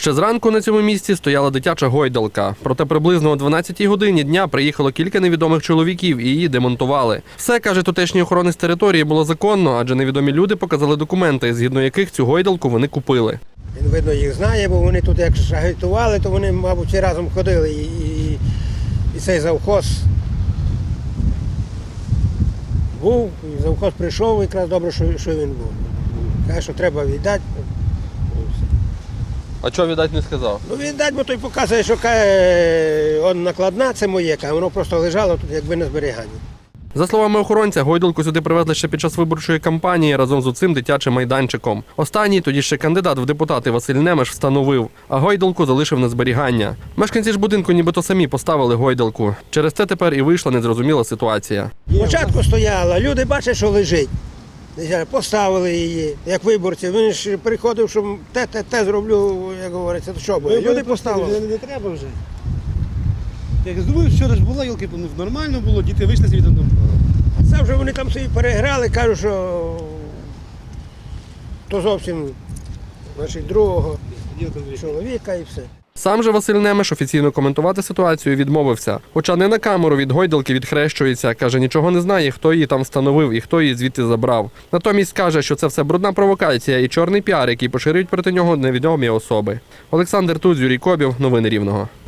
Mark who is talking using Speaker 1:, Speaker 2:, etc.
Speaker 1: Ще зранку на цьому місці стояла дитяча гойдалка. Проте приблизно о 12-й годині дня приїхало кілька невідомих чоловіків і її демонтували. Все, каже тутешній охоронець території, було законно, адже невідомі люди показали документи, згідно яких цю гойдалку вони купили.
Speaker 2: Він, видно, їх знає, бо вони тут як агітували, то вони, мабуть, всі разом ходили. І цей завхоз був, і завхоз прийшов, якраз добре, що він був. Каже, що треба віддати.
Speaker 1: А чого віддати не сказав?
Speaker 2: Ну віддати, бо той показує, що каже, накладна, це моє, каже, воно просто лежало тут, якби на зберіганні.
Speaker 1: За словами охоронця, гойдалку сюди привезли ще під час виборчої кампанії разом з цим дитячим майданчиком. Останній, тоді ще кандидат в депутати Василь Немеш, встановив, а гойдалку залишив на зберігання. Мешканці ж будинку нібито самі поставили гойдалку. Через це тепер і вийшла незрозуміла ситуація.
Speaker 2: Спочатку стояла, люди бачать, що лежить. Поставили її, як виборці. Він ж приходив, що те зроблю, як говориться, то що буде. Люди поставили.
Speaker 3: Не треба вже. Як думаю, вчора ж була, йолки, нормально було, діти вийшли звідти.
Speaker 2: Це вже вони там собі переграли, кажуть, що то зовсім другого чоловіка і все.
Speaker 1: Сам же Василь Немеш офіційно коментувати ситуацію відмовився. Хоча не на камеру від гойдалки відхрещується. Каже, нічого не знає, хто її там встановив і хто її звідти забрав. Натомість каже, що це все брудна провокація і чорний піар, який поширюють проти нього невідомі особи. Олександр Туз, Юрій Кобів. Новини Рівного.